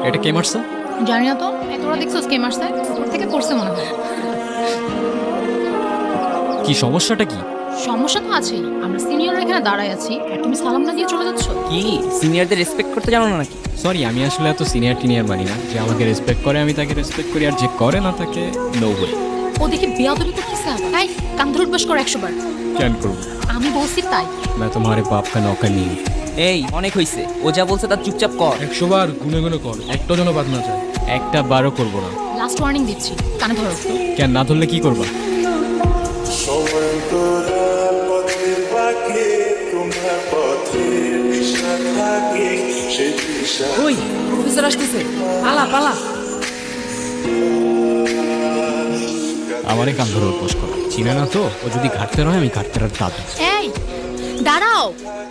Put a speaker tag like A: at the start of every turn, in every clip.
A: এটা কে মারছে?
B: জানি না তো, তোরা দেখছিস কে মারছে? উপর থেকে পড়ছে মনে হয়।
A: কি সমস্যাটা কি?
B: সমস্যা তো আছেই, আমরা সিনিয়ররা এখানে দাঁড়ায় আছি আর তুমি সালাম না দিয়ে চলে যাচ্ছ।
C: কি সিনিয়রদের রেসপেক্ট করতে জানো না নাকি?
A: সরি, আমি আসলে এত সিনিয়র টিনিয়র মানি না। যে আমাকে রেসপেক্ট করে আমি তাকে রেসপেক্ট করি, আর যে করে না তাকে নো ওয়ে।
B: ও দেখে বেয়াদবি করতেছে আবার। তাই কান ধরে উঠবাস করো 100 বার।
A: কেন করবো?
B: আমি বলছি তাই।
A: मैं तुम्हारे बाप का नौकर नहीं हूँ।
C: এই অনেক হইছে, ও যা বলছে তার চুপচাপ কর।
D: 100 বার গুনে গুনে কর, একটা যেন বাদ না যায়।
A: একটা বারও করবো না।
B: লাস্ট ওয়ার্নিং দিচ্ছি, কানে ধরো।
A: কেন না ধরলে কি করবা?
E: সময় তোরা পথের বাঁকে তোমার পথে দিশা থাকে সে দিশা
C: ওই প্রফেসর আসতেছে, পালা পালা।
A: আমারে কান ধরে উপোস করো, চিনে না তো? ও যদি ঘাটতে রয় আমি ঘাটতে আর দাদু।
B: এই দাঁড়াও।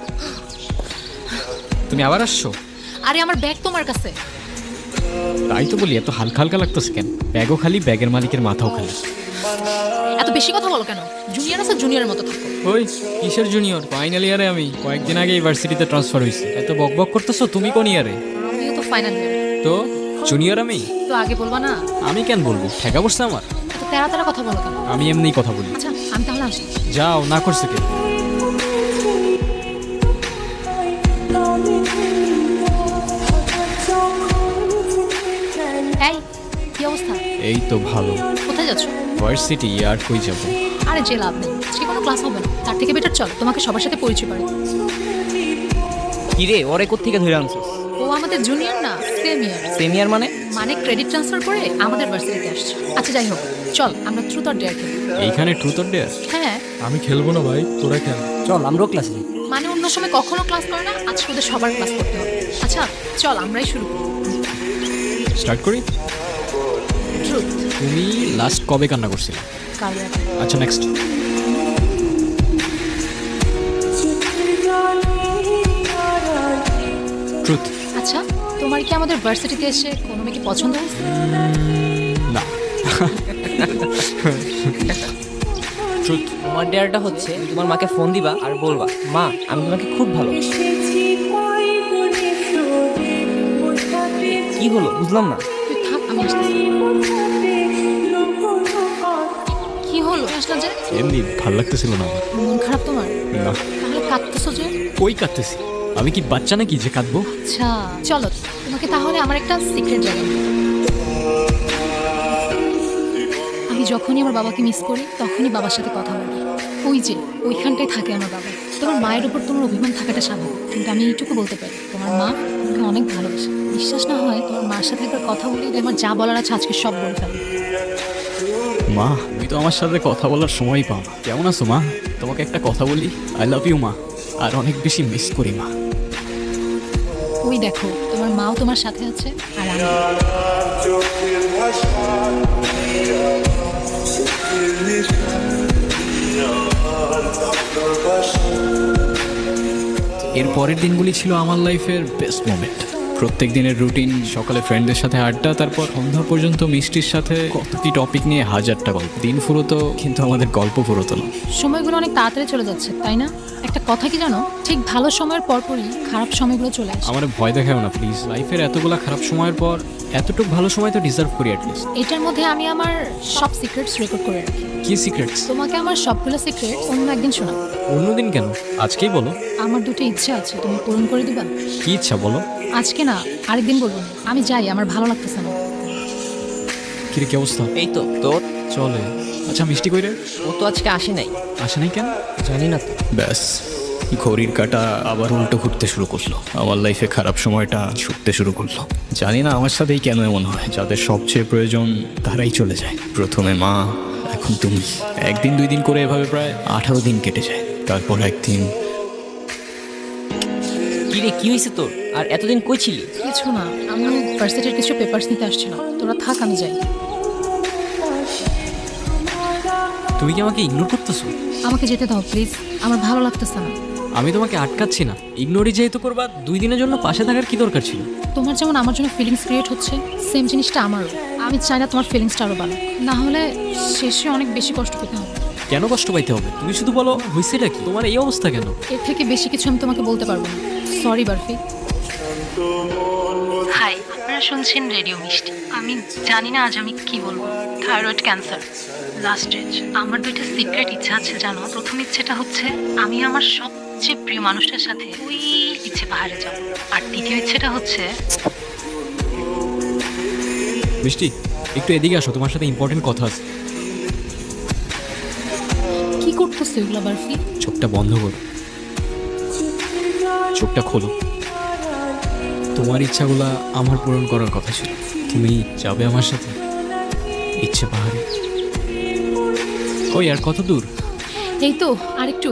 A: তুমি আবার আসছো?
B: আরে আমার ব্যাগ তোমার কাছে।
A: তাই তো বলি, এত হালকা হালকা লাগতেছে কেন? ব্যাগও খালি, ব্যাগের মালিকের মাথাও খালি।
B: এত বেশি কথা বলো কেন? জুনিয়র আছে, জুনিয়রের মতো থাকো।
A: ওই কিসের জুনিয়র? ফাইনাল ইয়ারে আমি কয়েকদিন আগে ইউনিভার্সিটিতে ট্রান্সফার হয়েছি। এত বক বক করতেছো, তুমি কোন ইয়ারে?
B: আমিও তো ফাইনাল ইয়ার।
A: তো জুনিয়র আমি?
B: তো আগে বলবা না?
A: আমি কেন বলবো? ঠেকা বসছে আমার।
B: এত তেরা তেরা কথা বলো কেন?
A: আমি এমনিই কথা বলি।
B: আচ্ছা আমি তাহলে আসি।
A: যাও, না করছে কে?
B: এই কি অবস্থা?
A: এই তো ভালো।
B: কোথায় যাচ্ছ?
A: ভার্সিটি আর কই যাবো?
B: আরে যে লাভ নেই, আজকে কোনো ক্লাস হবে না। তার থেকে বেটার চল তোমাকে সবার সাথে পরিচয় করে।
C: কি রে, ওরে কোত্থেকে ধরে আনছিস?
B: ও আমাদের জুনিয়র না, সেম ইয়ার।
C: সিনিয়র মানে?
B: মানে ক্রেডিট ট্রান্সফার করে আমাদের ভার্সিটিতে আসছে। আচ্ছা যাই হোক, চল আমরা ট্রুথ অর ডেয়ার খেলি।
A: এইখানে ট্রুথ অর ডেয়ার?
B: হ্যাঁ
D: আমি খেলবো না ভাই, তোরা খেল।
C: চল আমরাও ক্লাসে যাই।
B: মানে অন্য সময় কখনো ক্লাস করে না, আজকে ওদের সবার ক্লাস করতে হবে। আচ্ছা চল আমরাই শুরু করি।
A: স্টার্ট করি।
B: ট্রুথ।
A: তুমি লাস্ট কবে কান্না করছিলে?
B: কাল রাতে।
A: আচ্ছা নেক্সট। ট্রুথ।
B: আচ্ছা তোমার কি আমাদের ভার্সিটিতে এসে কোনো মেয়েকে পছন্দ হয়েছে?
A: না। ট্রুথ।
C: তোমার ডেয়ারটা হচ্ছে তোমার মাকে ফোন দিবা আর বলবা, মা আমি তোমাকে খুব ভালো। কি হলো বুঝলাম না।
B: তুই থাক, আমি আসতেছি। কি হলো আসলে যে?
A: এমনি ভাল লাগতেছিল না আমার।
B: মন খারাপ তোমার?
A: না।
B: তাহলে কাঁদতেছো যে?
A: কই কাঁদতেছি? আমি কি বাচ্চা নাকি যে কাঁদবো?
B: আচ্ছা চলো তোমাকে তাহলে আমার একটা সিক্রেট জানাই। আমি যখনই আমার বাবাকে মিস করি তখনই বাবার সাথে কথা বলি। ওই যে ওইখানটায় থাকে আমার বাবা। তোমার মায়ের উপর তোমার অভিমান থাকাটা স্বাভাবিক, কিন্তু আমি এইটুকু বলতে পারি তোমার মা তোমাকে অনেক ভালোবাসে। বিশ্বাস না হয় তোমার মার সাথে একবার কথা বলি, আমার যা বলার আছে আজকে সব বলে ফেলো।
A: মা, তুমি তো আমার সাথে কথা বলার সময় পাও না। কেমন আছো মা? তোমাকে একটা কথা বলি, আই লাভ ইউ মা। আর অনেক বেশি মিস করি মা।
B: ওই দেখো তোমার মাও তোমার সাথে আছে আর আমি।
E: চোখের ভাষা চোখের নিশান আমার ভালোবাসা
A: এর পরের দিনগুলি ছিল আমার লাইফের বেস্ট মোমেন্ট। প্রত্যেক দিনের রুটিন, সকালে ফ্রেন্ডদের সাথে আড্ডা, তারপর সন্ধ্যা পর্যন্ত মিষ্টির সাথে কত কি টপিক নিয়ে হাজারটা গল্প। দিন ফুরোতো কিন্তু আমাদের গল্প ফুরোতো না।
B: সময়গুলো অনেক তাড়াতাড়ি চলে যাচ্ছে তাই না? একটা কথা কি জানো, ঠিক ভালো সময়ের পরপরই খারাপ সময়গুলো চলে আসে।
A: আমার ভয় দেখাও না প্লিজ। লাইফের এতগুলা খারাপ সময়ের পর এতটুকু ভালো সময় তো ডিজার্ভ করি অ্যাটলিস্ট।
B: এটার মধ্যে আমি আমার সব সিক্রেটস রেকর্ড করে রাখি।
A: কি সিক্রেটস?
B: তোমাকে আমার সবগুলো সিক্রেট অন্য একদিন শোনাবো।
A: অন্যদিন কেন? আজকেই বলো।
B: আমার দুটো ইচ্ছা আছে, তুমি পূরণ করে দিবা?
A: কি ইচ্ছা বলো?
B: আজকে না, আরেকদিন বলবো না। আমি যাই, আমার ভালো লাগতেছে না।
A: কিরে কি অবস্থা?
C: এই তো তোর।
A: চলে। আচ্ছা মিষ্টি কইরে?
C: ও তো আজকে আসে নাই।
A: আসে নাই কেন?
C: জানি না তো।
A: ব্যাস, ঘড়ির কাঁটা আবার উল্টো ঘুরতে শুরু করলো। আমার লাইফে খারাপ সময়টা ছুটতে শুরু করলো। জানি না আমার সাথেই কেন এমন হয়। যাদের সবচেয়ে প্রয়োজন তারাই চলে যায়। প্রথমে মা, এখন তুমি। একদিন দুই দিন করে এভাবে প্রায় 18 দিন কেটে যায়। তারপর একদিন।
C: কি রে কি হয়েছে তোর? আর এতদিন কই ছিলি?
B: কিছু না, আমি ভার্সিটির কিছু পেপারস নিতে আসছিলাম। তোরা থাক, আমি যাই।
A: তুমি কি আমাকে ইগনোর করতেছো?
B: আমাকে যেতে দাও প্লিজ, আমার ভালো লাগতেছে না।
A: আমি তোমাকে আটকাচ্ছি না। ইগনোরই যেহেতু করবা, 2 দিনের জন্য পাশে থাকার কি দরকার ছিল?
B: তোমার যেমন আমার জন্য ফিলিংস ক্রিয়েট হচ্ছে, সেম জিনিসটা আমারও। আমি চাই না তোমার ফিলিংসটা আরও বাড়ুক, না হলে শেষে অনেক বেশি কষ্ট পেতে হবে।
A: কেন কষ্ট পাইতে হবে? তুমি শুধু বলো হয়েছেটা কি, তোমার এই অবস্থা কেন?
B: এর থেকে বেশি কিছু আমি তোমাকে বলতে পারবো না। সরি বারফি। হাই, আপনারা শুনছেন রেডিও মিষ্টি। আমি জানি না আজ আমি কি বলবো। Thyroid cancer last stage. আমার দুইটা সিক্রেট ইচ্ছা আছে জানো। প্রথম ইচ্ছেটা হচ্ছে আমি আমার সবচেয়ে প্রিয় মানুষটার সাথে ওই ইচ্ছে পাহাড়ে যাব। আর দ্বিতীয় ইচ্ছেটা হচ্ছে
A: মিষ্টি, একটু এদিকে আসো, তোমার সাথে ইম্পর্টেন্ট কথা আছে।
B: কি করতেছো এগুলো বারফি?
A: চোখটা বন্ধ করো, চোখটা খোলো। তোমার ইচ্ছাগুলা আমার পূরণ করার কথা ছিল। তুমি যাবে আমার সাথে ইচ্ছে পাহাড়ে। ওই আর কত দূর?
B: এই তো আরেকটু।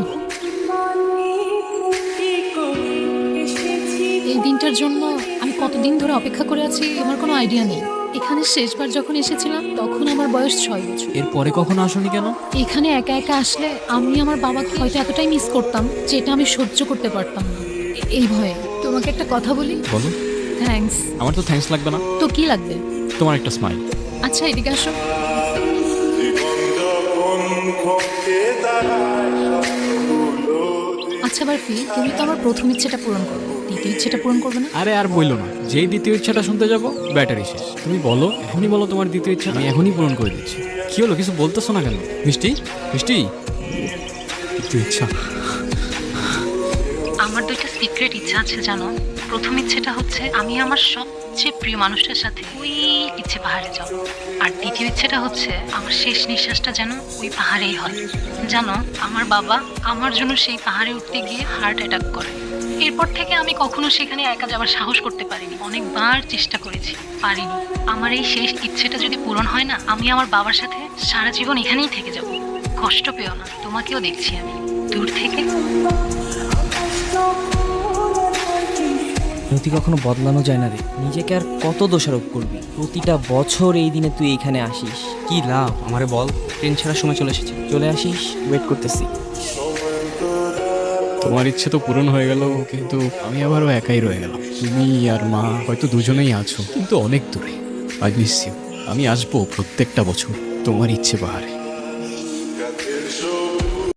B: এই দিনটার জন্য আমি কতদিন ধরে অপেক্ষা করে আছি আমার কোনো আইডিয়া নেই। এখানে শেষবার যখন এসেছিলাম তখন আমার বয়স 6 বছর।
A: এরপরে কখনো আসোনি কেন?
B: এখানে একা একা আসলে আমি আমার বাবাকে হয়তো এতটাই মিস করতাম যেটা আমি সহ্য করতে পারতাম না। এই ভয়ে তোমাকে একটা কথা বলি।
A: বলো।
B: থ্যাঙ্কস।
A: আমার তো থ্যাঙ্কস লাগবে না,
B: তো কি লাগবে?
A: তোমার একটা স্মাইল।
B: আচ্ছা এদিকে আসো।
E: জীবন যখন ঘটে দাঁড়ায় স্বপ্নগুলো
B: আচ্ছা বারফি, তুমি তো আমার প্রথম ইচ্ছেটা পূরণ করবে, দ্বিতীয় ইচ্ছেটা পূরণ করবে না?
A: আরে আর বললো না, যেই দ্বিতীয় ইচ্ছাটা শুনতে যাবো ব্যাটারি শেষ। তুমি বলো, এখনই বলো তোমার দ্বিতীয় ইচ্ছা, আমি এখনই পূরণ করে দিচ্ছি। কি হলো, কিছু বলতেছো না কেন? মিষ্টি, মিষ্টি, দ্বিতীয় ইচ্ছা।
B: আমার দুইটা সিক্রেট ইচ্ছা আছে জানো। প্রথম ইচ্ছেটা হচ্ছে আমি আমার সবচেয়ে প্রিয় মানুষটার সাথে ওই ইচ্ছে পাহাড়ে যাব। আর দ্বিতীয় ইচ্ছেটা হচ্ছে আমার শেষ নিঃশ্বাসটা যেন ওই পাহাড়েই হয়। জানো, আমার বাবা আমার জন্য সেই পাহাড়ে উঠতে গিয়ে হার্ট অ্যাটাক করে। এরপর থেকে আমি কখনো সেখানে একা যাওয়ার সাহস করতে পারিনি। অনেকবার চেষ্টা করেছি, পারিনি। আমার এই শেষ ইচ্ছেটা যদি পূরণ হয় না, আমি আমার বাবার সাথে সারা জীবন এখানেই থেকে যাব। কষ্ট পেও না, তোমাকেও দেখছি আমি দূর থেকে।
C: নতি কখনো বদলানো যায় না রে। নিজেকে আর কত দোষারোপ করবি? প্রতিটা বছর এই দিনে তুই এখানে আসিস, কি লাভ? আমারে বল। ট্রেন ছাড়ার সময় চলে এসেছে, চলে আসিস, ওয়েট করতেছি।
A: তোমার ইচ্ছে তো পূরণ হয়ে গেল, কিন্তু আমি আবারও একাই রয়ে গেলাম। তুমি আর মা হয়তো দুজনেই আছো, কিন্তু অনেক দূরে। I miss you. আমি আসবো প্রত্যেকটা বছর তোমার ইচ্ছে পাহাড়ে।
E: গাছের সবুজ